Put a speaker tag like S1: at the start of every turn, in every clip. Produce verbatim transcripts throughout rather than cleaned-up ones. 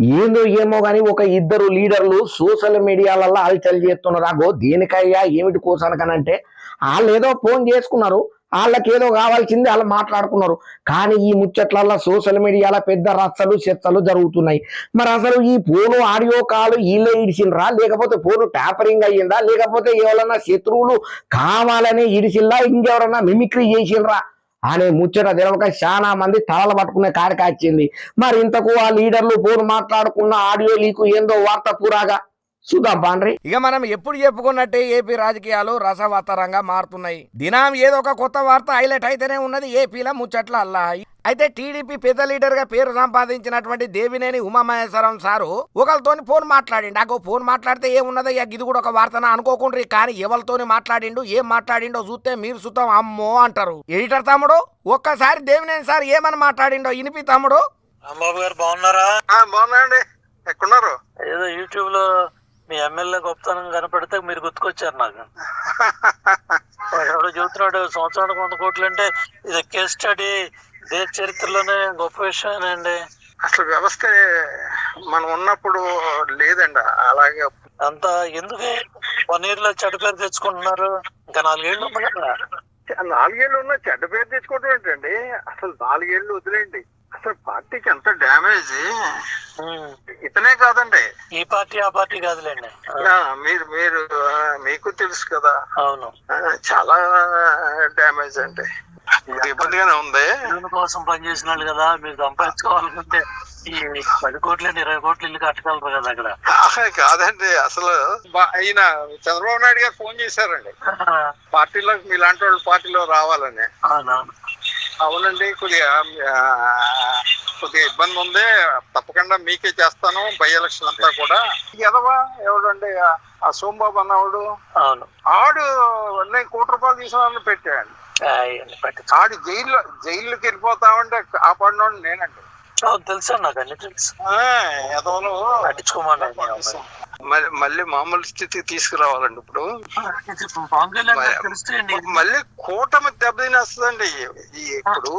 S1: ఏందో ఏమో గాని ఒక ఇద్దరు లీడర్లు సోషల్ మీడియాలలో హల్చల్ చేస్తున్నారు. అగో దేనికయ్యా ఏమిటి కోసానకనంటే వాళ్ళు ఏదో ఫోన్ చేసుకున్నారు, వాళ్ళకి ఏదో కావాల్సింది వాళ్ళు మాట్లాడుకున్నారు. కానీ ఈ ముచ్చట్లల్లో సోషల్ మీడియాలో పెద్ద రచ్చలు చర్చలు జరుగుతున్నాయి. మరి అసలు ఈ ఫోను ఆడియో కాల్ వీళ్ళే ఇడిచిండ్రా, లేకపోతే ఫోను ట్యాపరింగ్ అయ్యిందా, లేకపోతే ఎవరన్నా శత్రువులు కావాలని ఇడిచిల్లా, ఇంకెవరన్నా మిమిక్రీ చేసిండ్రా అనే ముచ్చట తెలవక చాలా మంది తలలు పట్టుకునే కాడికి వచ్చింది. మరి ఇంతకు ఆ లీడర్లు ఫోన్ మాట్లాడుకున్న ఆడియో లీకు ఏందో వార్త పూరాగా చూద్దాం పాండ్రి.
S2: ఇక మనం ఎప్పుడు చెప్పుకున్నట్టే ఏపీ రాజకీయాలు రసవత్తరంగా మారుతున్నాయి. దినం ఏదో ఒక కొత్త వార్త హైలైట్ అయితేనే ఉన్నది ఏపీలో ముచ్చట్ల అల్లా. అయితే టీడీపీ పెద్ద లీడర్ గా పేరు సంపాదించినటువంటి దేవినేని ఉమామహేశ్వరం సారు ఒకరితోని ఫోన్ మాట్లాడిండు. నాకు ఫోన్ మాట్లాడితే ఏమున్నదయ్యా, ఇది కూడా ఒక వార్తన అనుకోకుండ్రి. కానీ ఎవరితోని మాట్లాడిండు, ఏం మాట్లాడిండో చూస్తే మీరు సుతం అమ్మో అంటారు. ఎడిటర్ తమ్ముడు ఒక్కసారి దేవినేని సార్ ఏమని మాట్లాడిండో ఇనిపి తమ్ముడు.
S3: రాంబాబు గారు బాగున్నారా?
S4: బాగున్నా అండి. ఎక్కడున్నారు?
S3: ఏదో యూట్యూబ్ లో మీ ఎమ్మెల్యే గొప్పతనం కనపడితే మీరు గుర్తుకొచ్చారు నాకు. ఎవడో చెబుతున్నాడు సంవత్సరానికి వంద కోట్లు అంటే ఇది కేస్ స్టడీ, దేశ చరిత్రలోనే గొప్ప విషయమేనండి.
S4: అసలు వ్యవస్థ మనం ఉన్నప్పుడు లేదండి. అలాగే
S3: అంతా ఎందుకు వన్ ఇయర్ లో చెడ్డ పేరు తెచ్చుకుంటున్నారు? ఇంకా నాలుగేళ్లు ఉంది కదా.
S4: నాలుగేళ్లు ఉన్నా చెడ్డ పేరు తెచ్చుకోవడం ఏంటండి? అసలు నాలుగేళ్లు వదిలేండి. అసలు పార్టీకి ఎంత డ్యామేజ్ ఇతనే కాదండి.
S3: ఈ పార్టీ ఆ పార్టీ కాదులేండి.
S4: మీరు మీరు మీకు తెలుసు కదా.
S3: అవును,
S4: చాలా డ్యామేజ్ అండి. ఇబ్బందిగానే ఉంది.
S3: కోసం పనిచేసిన వాళ్ళు కదా, మీరు సంపాదించుకోవాలనుకుంటే ఈ పది కోట్ల ఇరవై కోట్లు ఇల్లు కట్టగలరు కదా అక్కడ.
S4: కాదండి, అసలు ఈయన చంద్రబాబు నాయుడు గారు ఫోన్ చేశారండి పార్టీలో మీలాంటి వాళ్ళు పార్టీలో రావాలని.
S3: అవునవును.
S4: అవునండి, కొద్దిగా కొద్దిగా ఇబ్బంది ఉంది, తప్పకుండా మీకే చేస్తాను బై ఎలక్షన్ అంతా కూడా. ఎదవా ఎవడండి ఆ సోమబాబు అన్నవాడు.
S3: అవును,
S4: ఆడు నేను కోటి రూపాయలు తీసుకున్నాను పెట్టాడు. ఆడు జైల్లో జైల్లోకి వెళ్ళిపోతామంటే కాపాడినోడు నేనండి.
S3: తెలుసా? నాకు అన్ని తెలుసు.
S4: ఎదవలు
S3: పట్టించుకోమని
S4: మళ్ళీ మామూలు స్థితికి తీసుకురావాలండి. ఇప్పుడు మళ్ళీ కూటమి దెబ్బతినేస్తుందండి. ఇప్పుడు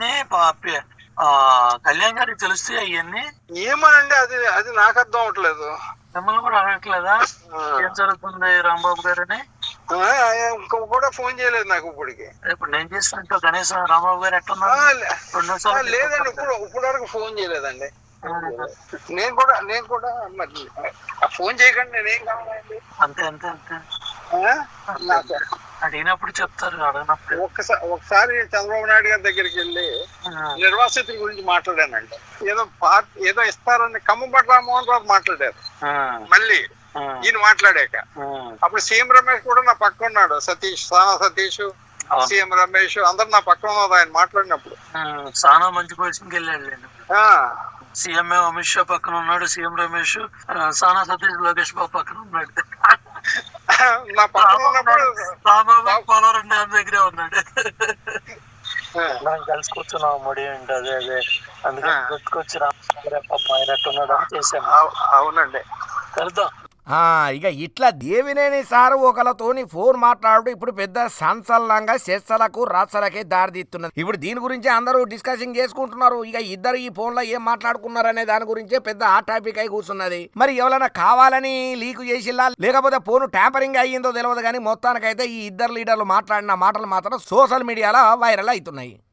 S3: కళ్యాణ్ గారికి తెలిస్తే అవన్నీ
S4: ఏమోనండి, అది అది నాకు అర్థం అవట్లేదు.
S3: మిమ్మల్ని కూడా అడగట్లేదా ఏం జరుగుతుంది రాంబాబు గారు అని?
S4: ఇంకో కూడా ఫోన్ చేయలేదు నాకు ఇప్పటికి.
S3: ఇప్పుడు నేను చేసినట్టు కనీసం రాంబాబు గారు ఎట్టున్నారు?
S4: లేదండి, ఇప్పుడు ఇప్పుడు వరకు ఫోన్ చేయలేదండి. నేను కూడా నేను కూడా మరి ఫోన్ చేయకండి, నేనేం కావాలండి.
S3: అంతే అంతే అంతే అడిగినప్పుడు చెప్తారు, అడిగినప్పుడు.
S4: ఒకసారి ఒకసారి చంద్రబాబు నాయుడు గారి దగ్గరికి వెళ్ళి నిర్వాసితుల గురించి మాట్లాడానండి. ఏదో పార్టీ ఏదో ఇస్తారని కమ్మబట్ల రామ్మోహన్ రావు మాట్లాడారు. మళ్ళీ ఈయన మాట్లాడాక అప్పుడు సీఎం రమేష్ కూడా నా పక్క ఉన్నాడు. సతీష్, సానా సతీష్, సీఎం రమేష్ అందరు నా పక్కన ఉన్నారు ఆయన మాట్లాడినప్పుడు.
S3: సానా మంచి పొజిషన్కి వెళ్ళాడు. సీఎం అమిత్ షా పక్కన ఉన్నాడు, సీఎం రమేష్, సానా సతీష్ లోకేష్ బాబు పక్కన ఉన్నాడు.
S4: నా పక్కన ఉన్నప్పుడు
S3: పోలవరం డ్యామ్ దగ్గరే ఉన్నాడు. మనం కలిసి కూర్చున్నాం ముడి ఏంటి అదే అదే అందుకని గుర్తుకొచ్చి రామ్ అయినట్టున్నాడు అని చేశాను.
S4: అవునండి,
S3: కలుద్దాం.
S2: ఇక ఇట్లా దేవినేని సారు ఒకరితోని ఫోన్ మాట్లాడు ఇప్పుడు పెద్ద సంచలనంగా చర్చలకు రచ్చలకే దారితీస్తున్నది. ఇప్పుడు దీని గురించి అందరూ డిస్కషన్ చేసుకుంటున్నారు. ఇక ఇద్దరు ఈ ఫోన్ లో ఏం మాట్లాడుకున్నారు అనే దాని గురించే పెద్ద ఆ టాపిక్ అయి కూర్చున్నది. మరి ఎవరైనా కావాలని లీక్ చేసిల్లా లేకపోతే ఫోన్ ట్యాంపరింగ్ అయ్యిందో తెలియదు. కానీ మొత్తానికైతే ఈ ఇద్దరు లీడర్లు మాట్లాడిన మాటలు మాత్రం సోషల్ మీడియాలో వైరల్ అవుతున్నాయి.